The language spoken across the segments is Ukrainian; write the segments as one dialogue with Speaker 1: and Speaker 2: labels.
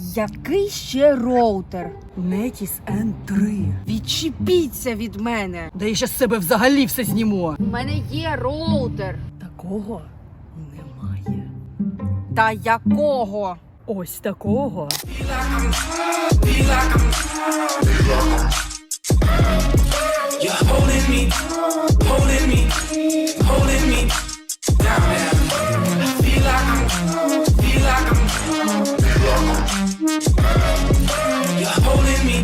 Speaker 1: Який ще роутер?
Speaker 2: Netis N3.
Speaker 1: Відчепіться від мене.
Speaker 2: Да я ще з себе взагалі все зніму.
Speaker 1: У мене є роутер.
Speaker 2: Такого немає.
Speaker 1: Та якого?
Speaker 2: Ось такого.
Speaker 3: You're holding me down there. Feel like I'm You're holding me.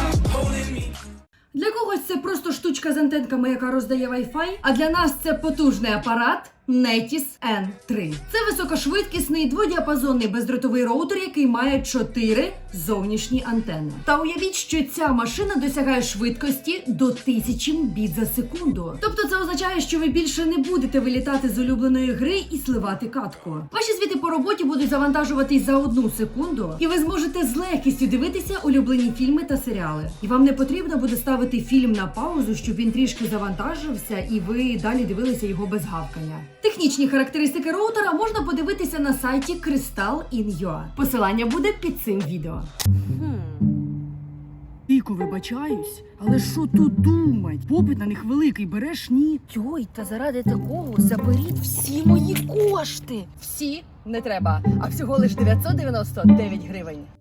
Speaker 2: Для когось це просто штучка з антенками, яка роздає Wi-Fi, а для нас це потужний апарат Netis N3. Це високошвидкісний дводіапазонний бездротовий роутер, який має 4 зовнішні антени. Та уявіть, що ця машина досягає швидкості до 1000 Мбіт за секунду. Тобто це означає, що ви більше не будете вилітати з улюбленої гри і сливати катку. Ваші звіти по роботі будуть завантажуватись за 1 секунду, і ви зможете з легкістю дивитися улюблені фільми та серіали. І вам не потрібно буде ставити фільм на паузу, щоб він трішки завантажився і ви далі дивилися його без гавкання. Технічні характеристики роутера можна подивитися на сайті Crystal.in.ua. Посилання буде під цим відео. Віку, вибачаюсь, але що тут думать? Попит на них великий, береш ні?
Speaker 1: Йой, та заради такого заберіть всі мої кошти.
Speaker 2: Всі не треба, а всього лиш 999 гривень.